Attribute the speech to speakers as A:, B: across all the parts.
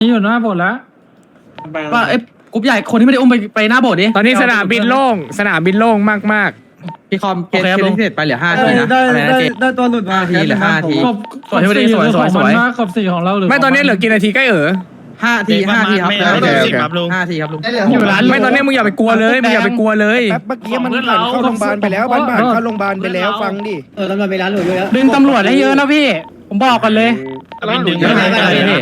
A: นี่อยู่หน้าโบสถ์แล้ว
B: ว่าไอ้กรุ๊ปใหญ่คนที่ไม่ได้อุ้มไปหน้าโบสถ์ดิ
C: ตอนนี้สนามบินโล่งสนามบินโล่งมาก
B: พี่คอมเคสที่เสร็จไปเหลือ5 ทีนะอะไรนะเจ
D: ได้ตัวหลุดมา
B: 5 ทีเหลือ5 ที
A: ขอบ
B: สวยที่ไม่ได้สวย
A: ขอบสี่ของเราหรือ
C: ๆไม่ตอนนี้เหลือกี่นาทีใกล้
B: 5 ที5 ทีครับ
C: โอเคครับ
B: 5 ทีครับลุง
A: อยู่ร้าน
C: ไม่ตอนนี้มึงอย่าไปกลัวเลยมึงอย่าไปกลัวเลย
E: แป๊บเมื่อกี้มันผ่านเข้าโรงพยาบาลไปแล้วผ่านเข้าโรงพยาบาลไปแล้วฟังดิ
D: ตำรวจไปร้านหลุดเยอะแล้ว
A: ดึงตำรวจได้เยอะนะพี่ผมบอกกันเลย
B: ดึงเยอะเลยพี่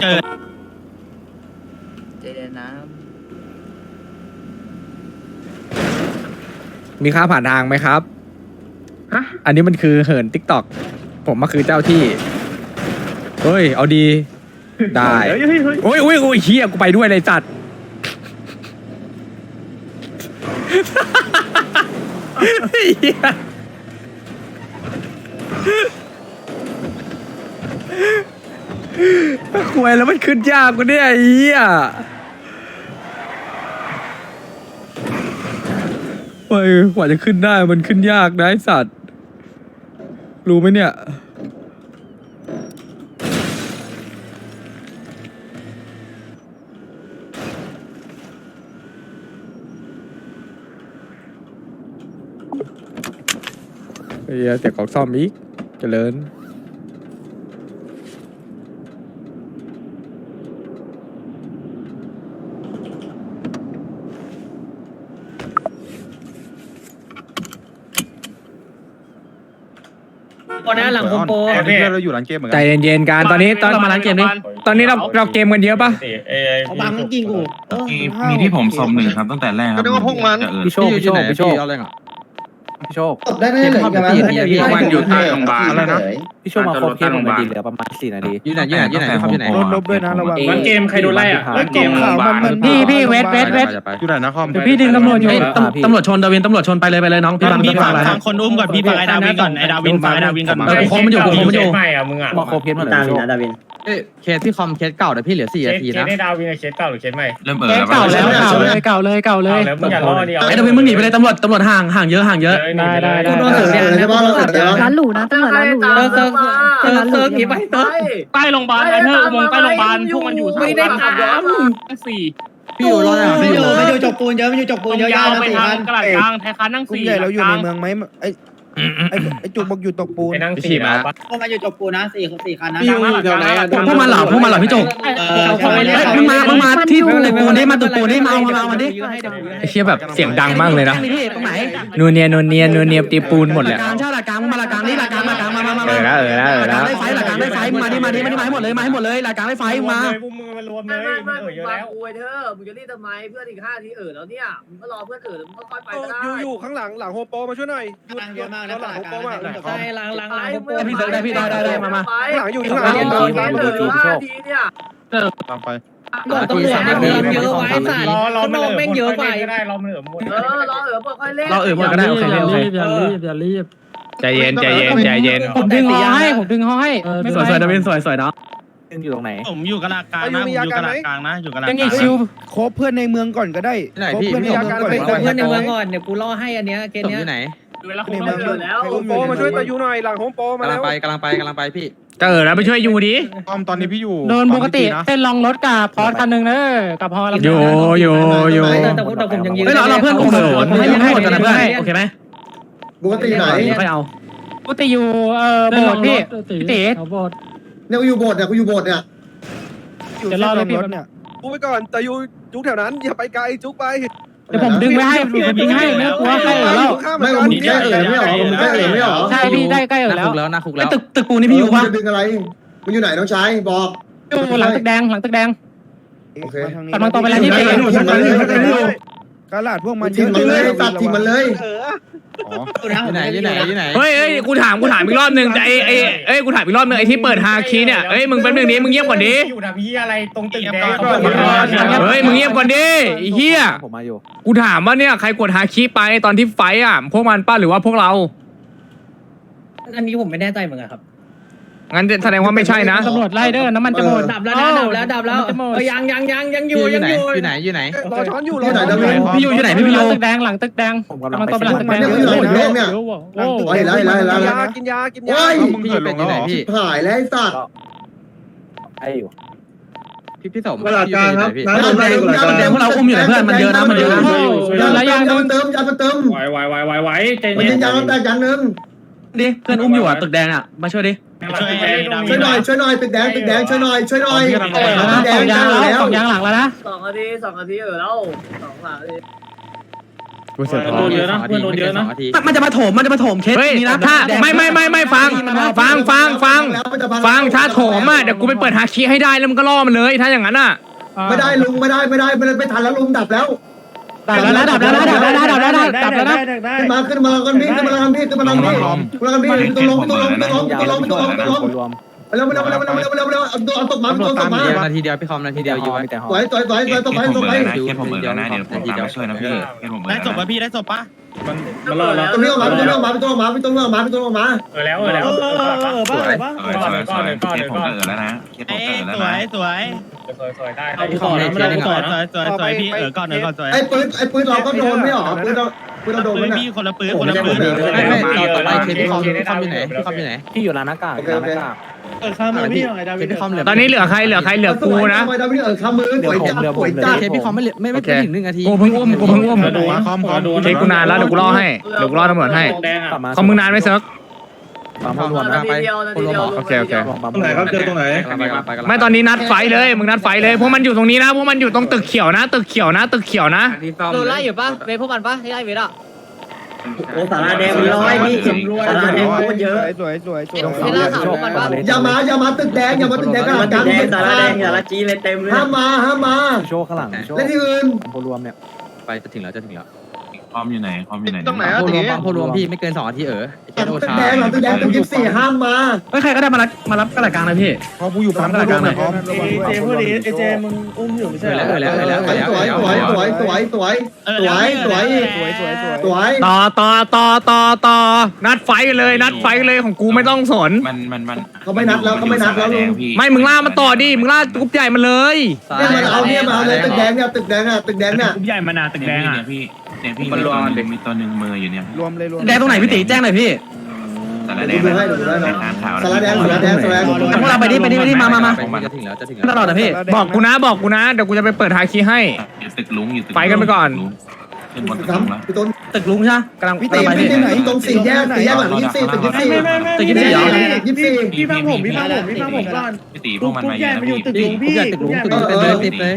F: เจเดนนะ
C: มีค่าผ่านทางไหมครับอันนี้มันคือเหินติ๊กต็อกผมมาคือเจ้าที่เฮ้ยเอาดีได้โอ้ยเฮียกูไปด้วยเลยจัดเหี้ยคุยแล้วมันขึ้นยากกูเนี่ยไอ้เหี้ยเฮ้ยกว่าจะขึ้นได้มันขึ้นยากนะไอ้สัตว์รู้ไหมเนี่ยเฮียเสียงของซ่อมอีกเจริญ
D: คนนั้นหลังโฮมโปร
G: เพื่อนเราอยู่ร้านเกมเหมือน
C: ใจ
G: กัน
C: เย็นๆกันตอนนี้
B: เรามาร้านเกมดิ
C: ตอนนี้เราเกมกันเยอะปะ
D: เอาบังจริงกู
G: มีที่ผมสมหนึ่งครับตั้งแต่แรกครับ
E: ก็นึกว่าพวกมัน
B: พี่โชคพี่โชคเอาอะไรอ่ะพี่โชค
D: ได้ไหมเหลือประมาณ
G: มันอยู่ใต้โรงพยาบาลอะไรนะ
F: พี่ช่วยมาครบเคสผมหน่อยดิเหลือประมาณ4 นาที
B: อยู่ไหนพี่คอมอยู่ไหน
E: โดนลบด้วยนะระวัง
A: ร้านเกมใครโดนไล่อ่ะ
E: แล้วเกมข่าวมัน
A: พี่เวท
G: อยู่ไหนนะคอม
A: เดี๋ยวพี่ดึงตำรวจอยู่
B: ตำรวจชนดาวินตำรวจชนไปเลยน้องพี่บังพี่บังอะไร
H: ฟังคนอุ้มก่อนพี่ฟังไอ้ดาวินก่อนไอ้ดาวินฟังไอ้ดาวินก่อน
B: โคมมันอยู่
A: ไม่อ่ะมึงอ่ะ
F: มาครบเคสหมดเลย
D: ดาวิน
B: เคสที่คอมเคสเก่าแต่พี่เหลือ4 นาทีนะ
A: ได้ดาวินเคสเก่าหรือเคสใหม่
G: เริ่ม
A: เ
G: เ
A: ก่าแล้ว
G: เก่า
A: เก่าเลยแล้วมึงอย่ารอเดียว
B: ไอ้ดาวินมึงหนีไปเลยตำรวจห่างเยอะ
A: ได้
D: กูโดนเสือใช่ป่ะเราเสือ
I: ร้านหรูนะตำรวจร้านหรู
D: เซิร์ฟหนีไปเซิร์ฟ
H: ใต้โรงพยาบาลไอ้เธออุโมงค์ใต้โรงพยาบาลพวกมันอยู่
D: ไม่ได้ถาม
B: พี่อยู่รอด
D: มันอยู่จกปูนเยอะมันอยู่จกปูนเยอะ
H: ยาวไป
D: สี่
H: ทา
D: พั
H: ง
D: น
H: กระดาษกลางไทยค้านั่ง
E: กลุ่ม
H: 4
E: ใหญ่เราอยู่ในเมืองไหมไอ้จุกบอกอยู่ตกปูน
A: ไปนั่งสี่มา
D: พวกมันอยู่จกปูนนะสี่คันนะ
B: พวกมันเหรอพี่จุกมึงมาที่ตึกปูนได้มาตึกปูนได้มาเอามาดิ
C: ไอ้เชี่ยแบบเสียงดังมากเลยนะ
B: ตรงไหน
C: นูเนียตีปูนหมดเลย
B: กลางเช่าหลักกลางมาหลักกลางนี่หลักกลางมาหลักกลางได้ไฟหลักกลางได้ไฟมาดิมาให้หมดเลยหลักกลางได้ไฟมา
A: พวกมึงมารวมเลยเยอะแล้ว
F: อวยเธอมึงจะรีบทำไมเพื่อนอีก5 ทีแล้วเนี่ยมึงก็รอเพื่อนมึงก็ค่อยไปก็ได้
E: อยู่ข้างหลังโฮโปมาช่วยหน่อย
D: เยอะมากนะ
E: หลังโฮโปมา
D: ใช่ล้าง
B: ได้มา
E: หลังอยู่ข้างห
F: ห
E: ลัง
F: เหลือ5 ทีเนี่ย
G: ตามไป
D: ตำรวจในเมืองเยอะไว้สัตว์
A: รอ
D: ข้างนอกแม่งเยอะไป
A: ก็ได้รอมันเหลือหมด
F: รอค่อยเล่น
B: เราหมดก็ได้โอเค
A: อย่ารีบ
C: ใจเย็น
A: ผมดึงฮอให้
B: สวยดาวินสวยเนาะ
F: อยู่ตรงไหน
H: ผมอยู่กระดาษกลางนะอยู่กระดาษกลางนะอยู่กระดาษ
A: ยัง
H: ก
A: อี
H: ลาก ง
A: ชิว
E: คบเพื่อนในเมืองก่อนก็ได้คบเพื่อนในเมืองก่อน
D: เพื่อนในเมืองก่อนเดี๋ยวกูล่อให้อันเนี้ยเกม
B: ตก
D: เนี้
B: อย ยู่ไหน
H: เวลา
E: ใน
H: คุณ
E: เมือง
F: แล้ว
E: โฮโปมาช่วยตายูหน่อยหลังโฮโปมาก
B: ำลั
E: แล้
B: ง
E: ว
B: ไปพี่
C: แล้วไปช่วยยูดิ
G: คอมตอนนี้พี่อยู่
A: โดนปกติเส้นลองรถกับพอสคันหนึ่งเนอะกับพอ
C: อยู่
D: แต่ผมยังยืน
B: เฮ้ยเราเพื่อนกลุ่มให้หมดกันนะเพื่อนโอเคไหม
D: ปกติไหน
B: ค่อยเอา
A: กูติอยู่โบสถ์พี่ตี
D: เนี่ยกูอยู่โบสถ์เนี่ย
E: อยู่เส้นรถเนี่ยกูไปก่อนตายูจุกแถวนั้นอย่าไปไกลจุกไป
A: เดี๋ยวผมดึงไม่ให้ไม่กลัวใกล้แล้ว
E: ไม่ผมแค่ไม่ออกผมแค่ไม่ออก
A: ใช่พี่ได้ใกล้แล้ว
B: นะคุกแล้วตึกปูนี่พี่อยู่ปะ
D: ดึงอะไรมันอยู่ไหนน้องชายบอก
A: อยู่หลังตึกแดง
E: โอเค
A: กำลังตรงไปแล้วที่ตี
E: กระดาษพวกมัน
D: ทิ้งมันเลยตัดทิ้งมันเลย
B: อยู่ไหน
C: เฮ้ยกูถามอีกรอบนึงแต่กูถามอีกรอบนึงไอ้ที่เปิดฮาคีเนี่ยมึงแป๊บนึงนี้มึงเงียบก่อนดิ
A: อยู่นะพี่อะไรตรงตึกแดง
C: เฮ้ยมึงเงียบก่อนดิไอ้เหี้ย
F: ผมมาอยู่
C: กูถามว่าเนี่ยใครกดฮาคีไปตอนที่ไฟอ่ะพวกมันป้าหรือว่าพวกเรา
D: อันนี้ผมไม่แน่ใจเหมือนกันครับ
C: งั้นแสดงว่าไม่ใช่นะ
A: ตำรวจไล่เด้อน้ำมันจะหมด
D: ดับแล้วยังอยู่
B: อยู่ไหน
E: รอช้อนอยู่ร
D: ที่ไหน
E: อ
D: นะ
B: พี่อยู่ไหนพี่
A: ห
B: โย
A: ลังตึกแดงกำลังตรงไปหลังตึกแดง
E: กินยา
G: มึงเกิดลงแล้วเหรอ
B: พี่
D: หายแล้วไอ้สัตว์
F: ไอ้อยู่
C: พี่สม
E: ตลาดกลางครับ
B: น้ำแดงพวกเราอุ้มอยู่นะเพื่อนมันเยอะนะมันเยอะนะ
A: แล้วยัง
D: ยันเติมยันเติม
H: ไหวใจ
D: มัน
H: เย็
D: ยิ
H: น
D: งยางแต่ยันนึง
B: ดิเพื่อนอุ้มอยู่อ่ะตึกแดงอ่ะมาช่วยดิ
H: ช่วย
D: ช่วยหน่อยตึกแดงช่วยหน่อยแด
A: สอง
D: ง
A: ยาง
D: แล้
A: แล้ว
D: ว
A: สองยางหลังแล้วนะ
F: 2 นาทีแล้ว2 หลังเลย
C: กูเสือท้องเยอะนะเพื่อนโดนเยอะนะ
B: มันจะมาโถมเคส
C: เฮ้ย
B: นี้นะ
C: ถ้าไม่ฟังถ้าโถมอ่ะเดี๋ยวกูไปเปิดฮาคิให้ได้แล้วมึงก็ล่อมันเลยถ้าอย่างนั้นอ่ะ
D: ไม่ได้ลุงไม่ได้ไม่ทันแล้วลุงดับแล้ว
A: ดับแล้วนะขึ้น
D: มากันพี่ขึ้นมากันพี่ต้องลงไปแล้วเอาตกมา
C: นาทีเดียวพี่คอมนาทีเดียวอยู่แต่หอ
D: สวยตกไป
I: แค่ผมเออนะเดี๋ยวผมตามมาช่วยนะพี่แค่ผม
H: ได้จบป่ะพี่ได้จบป่ะ
F: มันรอแล้ว
D: ตัวนี้ออกมาพี่ต้องออกมา
H: แล้ว
C: สวย
I: ผมเออแล้วนะแค่ผมเออแล้ว
H: สว
I: นะ
H: ยได้
C: พี่คอมในเทียร์นึง
H: ส
C: อ่ะ
H: วยพี่ก่อนหน่อยก่อนสวย
D: ไอ้ปืนเราก็โดนไม่หรอปืนเราโดน
H: พี่คนละปืน
C: ไม่ต่อไปเคพี่คอมอยู่ไหนพี่อยู่ร้านหน้ากากร้านหน้ากากพี่คอมเหลือตอนนี้เหลือใครเหลือกูนะ
D: ข้ามือป่วยจัด
C: เคพี่คอมไม่ถึง1 นาที
B: กูเพิ่งอุ้ม
G: คอม
C: เคกูนานแล้วเดี๋ยวกูรอให้เดี๋ยวกูรอตำรวจให้คอมมึงนานไหมเซิร์ฟ
F: นาทีเดียว
C: โอเค
E: ตรงไหนครับเจอตรงไหน
C: ไม่ตอนนี้นัดไฟเลยมึงนัดไฟเลยพวกมันอยู่ตรงนี้นะพวกมันอยู่ตรงตึกเขียวนะ
A: โดนไล่อยู่ปะเวพวกมันปะที่ไล่เวทอ่ะ
D: โอ้สาราแดง100พี่สาราแดงมันเยอะ
E: สวย
A: เวลาข่าวพวกมันปะ
D: อย่ามาตึกแดงกลางสาราแดงอย่าละจีเลยเต็มเลยห้ามมา
C: โชว์ข้างหลัง
D: และที่อื่น
C: โพรวมเนี่ยไปจะถึงแล้ว
I: คอมอยู่ไหนคอมอยู่ไหน
E: ตรงไหนอ่ะ
C: โพรวมพี่ไม่เกิน2 นาที
D: ตึกแดงตึก24ห้ามมา
B: เฮ้ยใครก็ได้มารับกระดาษกลางเลยพี่
E: พอกูอยู่ปั๊มกลางเลย
D: เจพูดดิเจมึงอุ้มอยู่ไม่ใช่สวย
C: ต่อนัดไฟกันเลยของกูไม่ต้องสน
I: มัน
D: เขาไม่นัดแล้วลุง
C: ไม่มึงล่ามันต่อดิมึงล่ากรุ๊ปใหญ่มาเลย
D: เนี่ยมาเอาเลยตึกแดงเนี่ย
H: กลุ่มใหญ่มานาตึกแดงอ่ะ
I: พี่มันรวมมีตัวหนึ่งมืออยู่เนี่ย
E: รวมเลย
B: แดงตรงไหนพี่ตีแจ้งหน่อยพี่
I: สารแดงสารแดง
B: พวกเราไปดิมา
C: จะถึงแล้ว
B: ตลอดนะพี่
C: บอกกูนะเดี๋ยวกูจะไปเปิดฮาคิให้
I: อยู่ตึกลุงอยู่ตึก
C: ไปกันไปก่อน
I: ขึ้นบนตึกลุงแล้ว
D: พี่ต้น
B: ตึกลุงใช่ไหมกำลัง
D: พี่ตีไหนตรง4 แยกหลัง24ตึก24
B: ตึก24เหรอ
D: 24
I: พี่ฟังผมก่อนพี่ตีพวกมันมาเยอะนะพี่
C: กูอยากตึกลุงติดเลย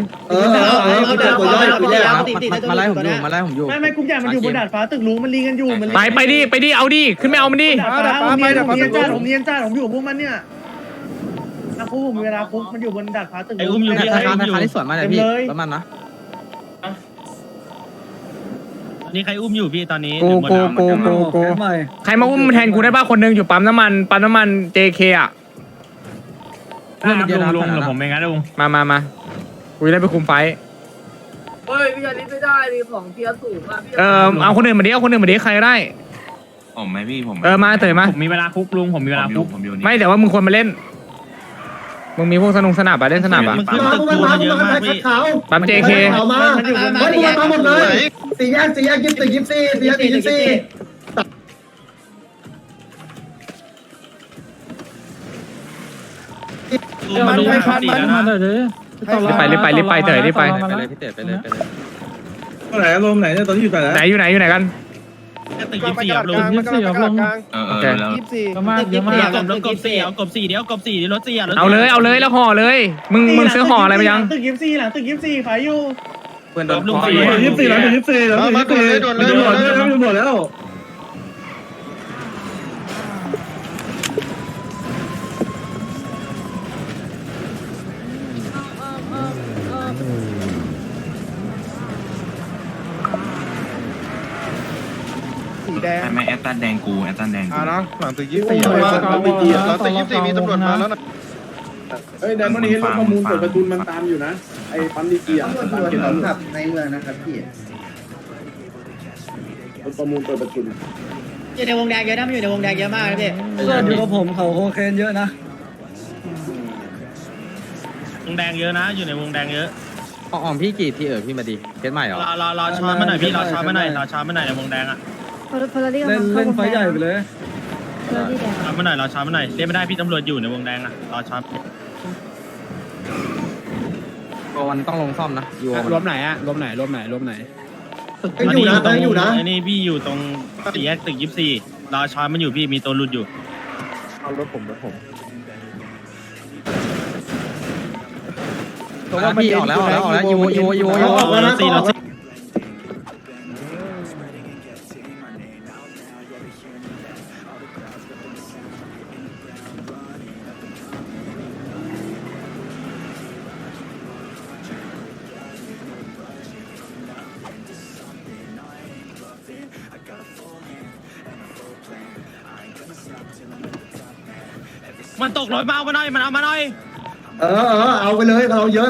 C: มาไล่ผมอยู่
J: ไม่กลุ่มใหญ่มันอยู่บนดาดฟ้าตึกลุงมันลีกันอยู่มัน
C: ไปดิเอาดิขึ้นไม่เอามันดิ
J: ดาดฟ้าผมเนียนจ้าผมอยู่พวกมันเนี่ยนะคุกผมเวลาคุกมันอยู่บนดาดฟ้าตึก
H: ไอ้อุ้มอยู่พี่
C: ธนาคารที่สวนมาเลยพี่ประมาณนะ
H: นี่ใครอุ้มอยู่พี่ตอนนี้
C: กูใครมาอุ้มแทนกูได้ป่ะคนนึงอยู่ปั๊มน้ำมัน JK อ่ะ
H: ลุงหรือผมเองนะลุง
C: มากูจะได้ไปคุมไฟ
F: เฮ้ยพี่อันนี้ไม่ได้ดิของเทียร์สูงอ่ะ
C: เอาคนอื่นมาดิใครก็ได้
I: ผมไหมพี่ผม
C: มาเตยมา
H: ผมมีเวลาคุกลุงผมมีเวลาคุก
I: ผมอยู่นี่
C: ไม่แต่ว่ามึงควรมาเล่นมึงมีพวกสนับเล่นสนับอ่ะ
H: มันขึ้นตึกลุงมาเยอะมากพี่
C: ปั๊ม JK
D: เอามาเฮ้ยมาหมดเลย4 แยก24
H: มันดูไม่ดีแล้วนะ
C: รีบไปเตยรีบไป
E: ตรงไหนรวมไหนเนี่ยตอนที่อยู่ไหน
C: อยู่ไหนกัน
H: ตึก24ครับลุง
I: แล้ว
J: ประมาณเยอะมาก
H: กบ4เอากบ4เดี๋ยวกบ4เดี๋ยวรถ4รถ
C: เอาเลยแล้วห่อเลยมึงซื้อห่ออะไรมายัง
J: ตึก24หลังตึก24ขายอยู่
C: เพื่อนโดน
H: ลุง
E: 24แล้วมาหมดแล้ว
J: สีแดง
I: ไม่แอตตันแดงกูแอตตันแดง
E: เนาะหลังตึก24หลังตึก24มีตำรวจมาแล้วนะเฮ้ยไดมอนด์เฮดรถประมูลเปิดประตูมันตามอยู่นะไอ้ปั๊มดีกีอ่ะตามเกณฑ์
D: ขับในเมืองนะครับพี่
E: รถประมูลเปิดประตู
J: อยู่ในวงแดงเยอะนะมันอยู่ในวงแดงเยอะมากนะพี่
D: อยู่กับผมเขาโคเคนเยอะนะ
H: วงแดงเยอะนะอยู่ในวงแดงเยอะ
C: อ่อมพี่กี่ทีพี่มาดีเคสใหม่เหรอ
H: รอช้อนมาหน่อยพี่รอช้อนมาหน่อยในวงแดงอ่ะ
D: เล่นไฟใหญ่ไปเลย
H: ช้อนมาหน่อยเรียกไม่ได้พี่ตำรวจอยู่ในวงแดงอ่ะรอช้อน
C: มันต้องลงซ่อมนะยู
B: รวมไหนอะรวมไหนรวมไหนรวมไหน
D: ยังอยู่นะยังอยู่นะ
H: ไอ้นี่พี่อยู่ตรงสี่แยกตึก24รอช้อนมันอยู่พี่มีตัวหลุดอยู่
C: เอารถผมพี่ออกแล้วยู
H: รถ4มันตกรถมาเอามาหน่อยมันเอามาหน่อย
D: เอาไปเลยเราเยอะ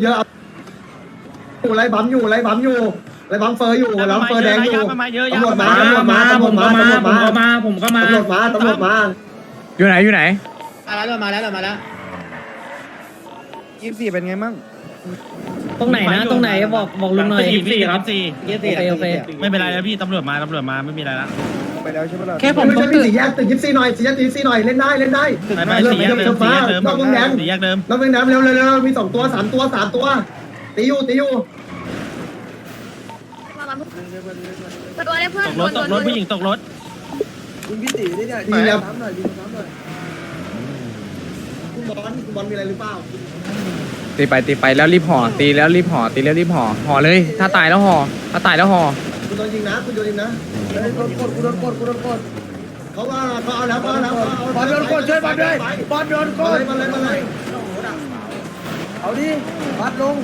D: ไรบัมอยู่ไรบัมเฟอร์อยู่ไรเฟอร์แดงอยู่ตำรวจมาตำรวจมา
C: อยู่ไหน
J: มาแล้ว24เป็นไงมั่ง
A: ตรงไหนนะตรงไหนบอกลุงหน่อย
H: 24ครับ
A: โอเค
H: ไม่เป็นไรแล้วพี่ตำรวจมาไม่มีอะไรละ
J: ไปแล้วใช่ปะล่ะ
A: แค่ผม
D: ไม่ใช่สี่แยกตึก24หน่อย4 แยกตึก24หน่อยเล่นได้
H: ไป4แยกเดิมนอกวงแดง4แยกเดิม
D: นอกวงแดงเร็วมี2ตัว3ตัวตีอยู่
F: ตัวได้เพื่อน
H: ตกรถผู้หญิงตกรถ
J: คุณพี่ตีนี่เนี่ย
D: ดีแล้ว
J: น้ำหน่อย
D: คุณบอลมีอะไรหรือเปล่า
C: ตีไปแล้วรีบห่อตีแล้วรีบห่อเลยถ้าตายแล้วห่อ
D: คุณโดนยิงนะคุณโดนยิงนะ
J: กูโดนกด
D: เขาเอาแล้ว
J: บอลโดนกดช่วยบอลด้วยบอลโดนกด
D: มาเลย
J: เอาดิบัดลง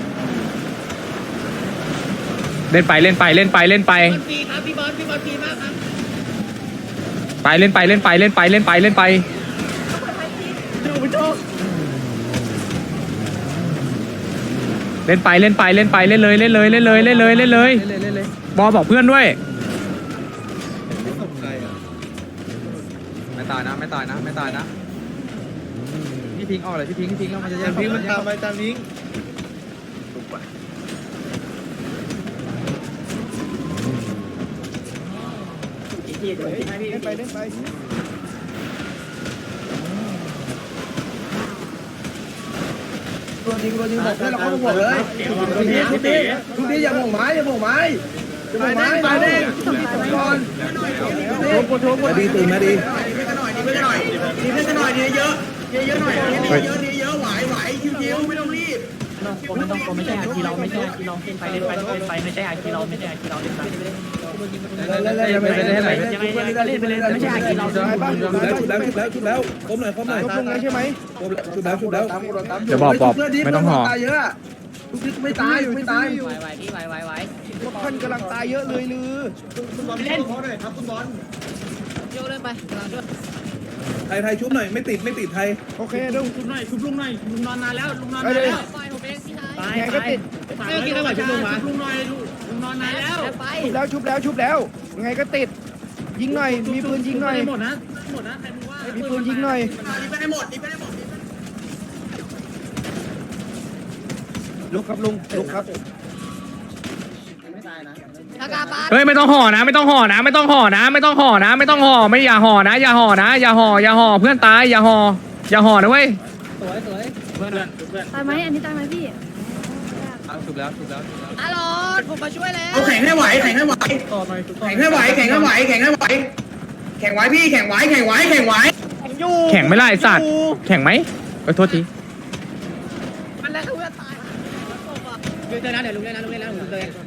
C: เล่นไป
F: ฟรีครับพี่บอลฟรีมากครับ
C: ไปเล่นไป
J: ดูไปโชค
C: เล่นเลยบอบอกเพื่อนด้วยไม่ตายนะพี่พิงออกเลยพี่พิงแล้วมันจะแย่ง
J: พิงมันตามไปตามพิง ไปตัวจริงบอกเพื่อนเราเข้ามาบอกเลยทุกทีอย่าโมงไม้ไปดิก่อนโทษดีตื่นมาดีเยอะไหวคิวไม่ต้องรีบ
A: ไม่ใช่อาคีเราไม่ใช่อาคีเราเล่นไปไม่ใช่อาคีเราเล่นไปไม่ใช่อาคีเรา
E: ชุบแล้วคมหน่อยใช่ไหมชุบแล้ว
C: เดี๋ยวบอกไม่ต้องห่อ
J: ตายเยอะทุกทีไม่ตาย
A: ไหว
J: ท่านกำลังตายเยอะเลยลือ
D: คุณบอลเล่นเขาหน่อยครับคุณบอล
A: โยเล่นไป
E: ไทยชุบหน่อยไม่ติดไทย
J: โอเคดู
A: ชุบลุงหน่อยลุงนอนนานแล้วลุงนอน
J: ไป
A: นาน
J: เลย
A: แล้วตายก็ติดไม่กินอะไรชุบลุงหน่อยลุงนอนนานแล้ว
J: ชุบแล้วยังไงก็ติดยิงหน่อยมีปืนยิงหน่อย
A: หมดนะใครมึงว่า
J: มีปืนยิงหน่อย
F: ไปให้หมด
J: ลุกครับ
C: เฮ้ยไม่ต้องห่อนะไม่อย่าห่อนะเพื่อนตายอย่าห่อนะเว้ย
A: เพื่อน
K: ตายไหมอันนี้ตายไหมพี่
C: ถูกแล้ว
F: อารถผมมาช่วยแล้ว
D: เอาแข่งให้ไหว
A: ต่อหน่อย
D: แข่งให้ไหวพี่แข่งไหวแข่ง
C: ไม่ล่ะไอ้สัตว์แข่งไหมโทษที
F: มันแล้วเพื่อนตายเดี๋ยวนะเดี๋ยวลุงเล่นนะลุงเตย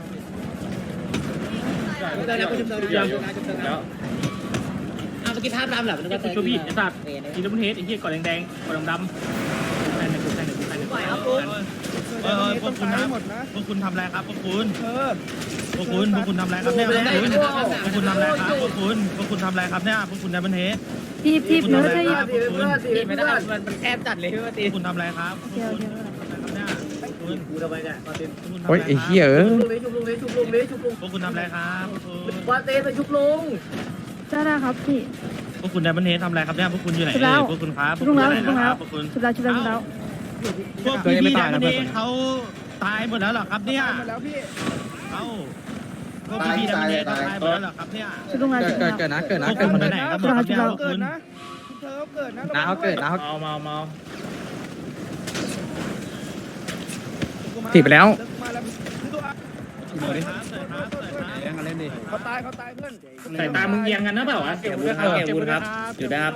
F: แล้วกูชุบเตยเอาเมื่อกี้ภาพดำเหรอมันก็เตย
A: ช่วยพี่ไอ้สัตว์ทีละมันเฮดไอ้เหี้ยก่อนแดงก่อนดำไหน
F: ไหวครับคุณ
H: พวกคุณนะ
J: หมดนะ
H: พวกคุณทำอะไรครับพวกคุณ
J: เ
H: พวกคุณทำอะไรครับเนี่ยพวกคุณทำอะไรครับพวกคุณทำอะไรครับเนี่ยพวกคุณในบันเทส
K: ทีบเนื้อจะ
F: เพื่อนไม่ได้มันแอบจัดเลยพี่ว่าตี
H: พวกคุณทำอะไรครับ
K: เดียว
F: กูทำไมเนี่ยมาตี
C: โอ้ยไอ้เหี้ย
F: ชุบลุง
H: พวกคุณทำอะไรครับ
F: ว่าเต้ไปชุบลุง
K: ได้ครับพี่
H: พวกคุณในบันเทสทำอะไรครับเนี่ยพวกคุณอยู่ไหนพวกคุณครับพวกคุณ
K: ชุบแล้ว
H: พวกพี่ในบันเทสเขาตายหมดแล้วหรอครับเนี่ย
J: แล้วพี่
H: เอ้าพวกพี่ในบันเทสตายหมดแล้วหรอครับเนี่ย
K: ชุบลุงแล้ว
C: เกิดนะ
H: พวกคุณไปไหนครับเนี่ยพวก
J: เกิ
H: คุ
J: ด
H: ณ
J: นะเธอเกิดนะ
C: น้าเขาเกิดนะเขา
A: เมา
J: ก
C: ถีบไปแล้ว
J: เขาตายเพื่อน
A: สายตามึงเอียงกันนะเปล่าวะเก็บวุ้นครับเก็บวุ้นครับอยู่ได้ครับ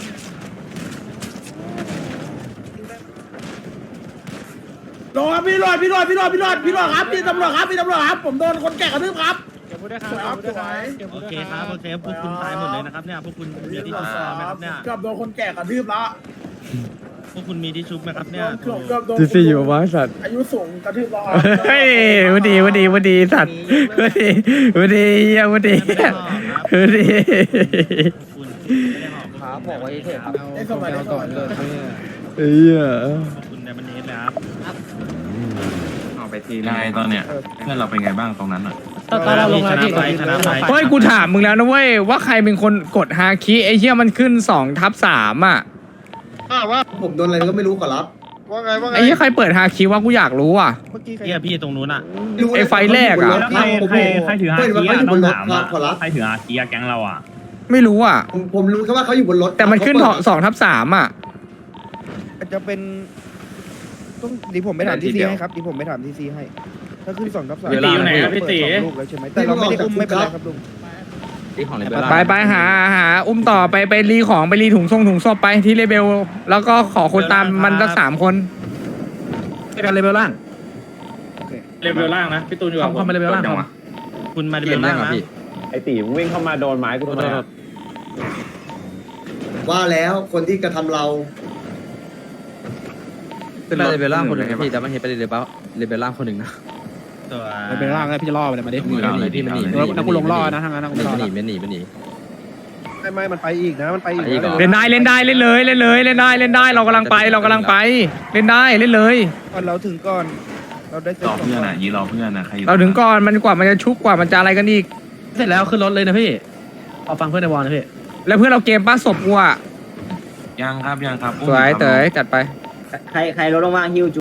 J: รอพี่รอดครับพี่ตำรวจครับผมโดนคนแก่กระทืบครับสวย
H: โอเคครับโอเคพวกคุณตายหมดเลยนะครับเนี่ยพวกคุณมีที่ชุบไหมครับเนี่ย
J: เกือบโดนคนแก่กระทืบแล้ว
H: พวกคุณมีที่ชุบไหมครับเนี่ย
J: เกือบโดน
C: ซีซีอยู่วะสัตว์
J: อายุสูงกระทืบแล้ว
C: เฮ้ยวันดีสัตว์วันดีเหี้ยวันดี
H: ไม่ได้หอกครับ
C: วันดี
H: คุณไม่ได้หอกครับ
B: บอกไว้เถอะครับ
J: ได้สมัยได้ก่อนเลย
C: เหี้ย
H: พวกคุณในมันเนสเลยครับ
I: เอาไปทีได้ตอนเนี้ยเพื่อนเราเป็นไงบ้างตรงนั้นอ่ะ
H: ตอนเราลงแล้วพี่ชนะไป
C: เฮ้ยกูถามมึงแล้วนะเว้ยว่าใครเป็นคนกดฮาคิไอ้เหี้ยมันขึ้น2/3อ่ะ
D: ผมโดนอะไรก็ไม่รู้ขอรับ
C: ไอ้เหี้ยใครเปิดฮาคิวะกูอยากรู้อ่ะ
H: เฮียพี่ตรงนู้นอ่ะ
C: ไอ้ไฟแรกอะ
D: ใครถืออาคีอะต้องถามอะขอรับ
I: ใครถืออาคีอะแก๊งเราอ่ะ
C: ไม่รู้อ่ะ
D: ผมรู้แค่ว่าเขาอยู่บนรถ
C: แต่มันขึ้น2/3อ่ะ
J: อาจจะเป็นต้องดีผมไปถามทีซีให้ครับดีผมไปถามทีซีให้ถ้าขึ้น2/3
A: พี่ตีอยู่ไหนครับพี่ตี
J: ลูกแล้วใช่ไหมแต่เราไม่ได้อุ้มไม่เป็นไรครับลุง
C: ไปหาอุ้มต่อไปรีของไปรีถุงศพไปที่เลเบลแล้วก็ขอคนตามมันสัก3 คนไปกันเลเบลล่าง
A: เลเวลล่างนะพี่ตูนอยู่กับผม
C: เข้ามาเลเบลล่าง
H: คุณมาเดินล่างนะ
E: ไอ้ตีวิ่งเข้ามาโดนไม้กูทำไม
D: ว่าแล้วคนที่กระทำเรา
B: เป็นเลเวลล่างคนหนึ่งพี่แต่มันเห็นเป็นเลเวลล่างคนหนึ่งนะ
H: ตัว
B: เลเวลล่างแล้วพี่จะล่อไปเลยมาดิพี่มันหนีกูลงล่อนะทางนั้นกูหนีมันหนี
J: ไม่มันไปอีกนะมันไปอีก
C: เล่นได้เล่นได้เรากำลังไปเล่นได้เล่นเลย
J: ก่อนเราถึงก่อนเราได้
I: รอเพื่อนอ่ะยีรอเพื่อนนะใคร
C: เราถึงก่อนมันกว่ามันจะชุบกว่ามันจะอะไรกันอีก
B: เสร็จแล้วขึ้นรถเลยนะพี่เอาฟังเพื่อนในวอลนะพี่
C: แล้วเพื่อนเราเกมป้าศพกูอ่ะ
I: ยังครับ
C: สวยเต๋ยจัดไป
F: ใครรถลงมาฮิว